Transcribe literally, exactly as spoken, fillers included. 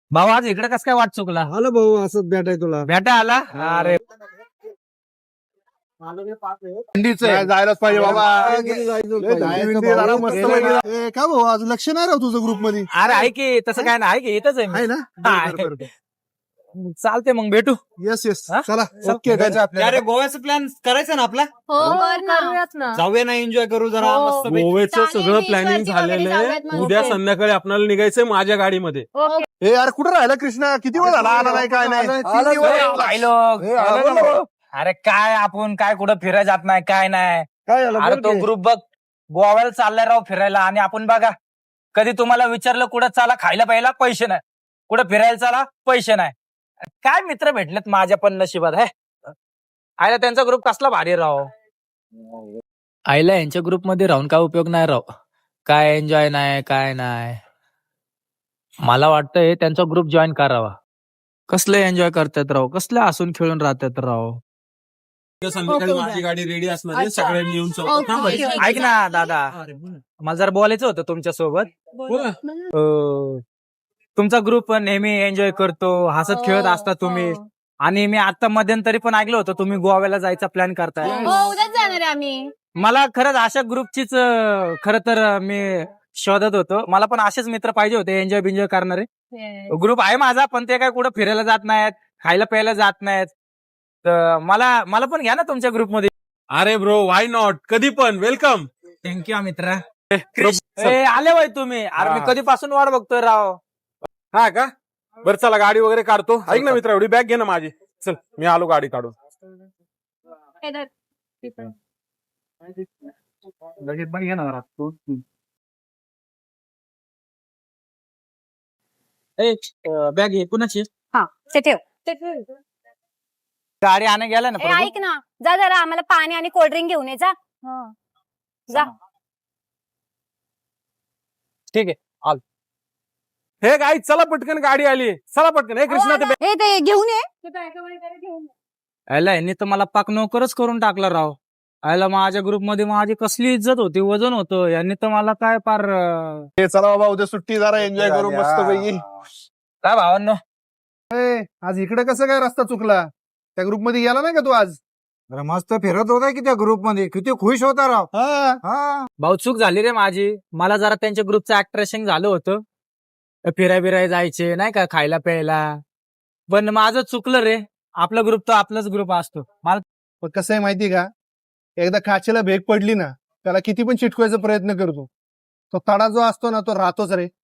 भाऊ आज इकडे कस काय वाट चुकला? आलो भाऊ असंच भेटाय तुला. भेटा आला? अरे थंडीच आहे, जायलाच पाहिजे बाबा. लय थंडी बिंडी जरा मस्त पैकी. ए, का भाऊ आज लक्ष नाही राव तुझं ग्रुप मध्ये अरे आहे की तसं काय नाही, आहे की इथंच आहे मी. आहे ना? आहे. बरं, बरं, बरं. चालते मग भेटू. येस येस हा? चला चल. ओके अरे गोव्याचा प्लॅन करायचा ना आपला. हो करूयात ना. जाऊया ना, एन्जॉय करू जरा हो. मस्त. गोव्याचं चालेल, सगळं beach प्लॅनिंग वरती वगैरे झालेलं जाऊयात आहे. मग. उद्या ओके. संध्याकाळी आपल्याला निघायचंय माझ्या गाडीमध्ये. ओके. ए यार कुठं राहिला कृष्णा? किती वेळ झाला आला नाही काय नाही. आला, किती वेळ आला. झाला? राहिलो. ए, आला ना भाऊ. अरे काय आपण काय कुठं फिरायला जात नाही काय नाही. काय झालं अरे बोल तो की. ग्रुप बघ गोव्याला चाललाय राव फिरायला, आणि आपण बघा कधी तुम्हाला विचारलं कुठं चाला खायला प्यायला पैसे नाही, कुठं फिरायला चाला पैसे नाही. काय मित्र भेटलेत माझ्या पण नशिबात आहे. आयला त्यांचा ग्रुप कसला भारी राव. आईला यांच्या ग्रुप मध्ये राहून काय उपयोग नाही राव. काय एन्जॉय नाही काय नाही. मला वाटतंय त्यांचा ग्रुप जॉईन करावा. कसले एन्जॉय करतात राव, कसले हसून खेळून राहतात राव. उद्या संध्याकाळी ओके. माझी गाडी रेडी असणार आहे, अच्छा. सगळ्यांनी येऊन ओके. चौकात थांबायचं. ओके. ऐक ना दादा, मला जरा बोलायचं होतं तुमच्या सोबत. बोला. तुमचा ग्रुप नेहमी एन्जॉय करतो, हसत खेळत असता तुम्ही. हो. आणि मी आता मध्यंतरी पण ऐकलं होतं तुम्ही गोव्याला जायचा प्लॅन करताय. हो उद्याच जाणार आहे आम्ही. मला खरंच अशा ग्रुपचीच खरं तर अं, मी शोधत होतो. मला पण असेच मित्र पाहिजे होते एन्जॉय बिन्जॉय करणारे. ग्रुप आहे माझा, पण ते काय कुठं फिरायला जात नाहीत, खायला प्यायला जात नाहीत. तर मला मला पण घ्या ना तुमच्या ग्रुपमध्ये. अरे ब्रो वाय नॉट, कधी पण वेलकम. थँक्यू मित्र. आले वय तुम्ही. अरे मी हा. कधीपासून वाट बघतोय राव. हा का? बरं चला गाडी वगैरे काढतो. ऐक ना मित्र, एवढी बॅग घे ना माझी. चल मी आलो गाडी काढून. हे धर. बॅग घे कुणाची. हा ते ठेव. गाडी आणा गेला ना ए, प्रभू? ऐक ना, जा जरा आम्हाला पाणी आणि कोल्ड्रिंक घेऊन ये जा. हा. जा. ठीक आहे. हे गाई चला पटकन, गाडी आली. चला पटकन. हे कृष्णा ते हे ते घेऊन ये. याला यांनी तर मला पाक नोकरच करून टाकला राव. याला माझ्या ग्रुपमध्ये माझी कसली इज्जत होती, वजन होतं. यांनी तर मला काय पार अं, ए, चला बाबा उद्या सुट्टी जरा एन्जॉय करू मस्त पैकी. काय भावांनो. ए, आज इकडे कसं काय रस्ता चुकला? त्या ग्रुप मध्ये गेला नाही का तू आज? अरे मस्त फिरत होता की त्या ग्रुप मध्ये, किती खुश होता राव. हा हा भाऊ चूक झाली रे माझी. मला जरा त्यांच्या ग्रुपचं अट्रॅक्शन झालं होतं. फिराय बिराय जायचे नाही का, खायला प्यायला. पण माझं चुकलं रे. आपला ग्रुप तो आपलाच ग्रुप असतो. मला पण कसं आहे माहिती का, एकदा काचेला भेग पडली ना, त्याला किती पण चिटकवायचा प्रयत्न करतो, तो तडा जो असतो ना तो राहतोच रे.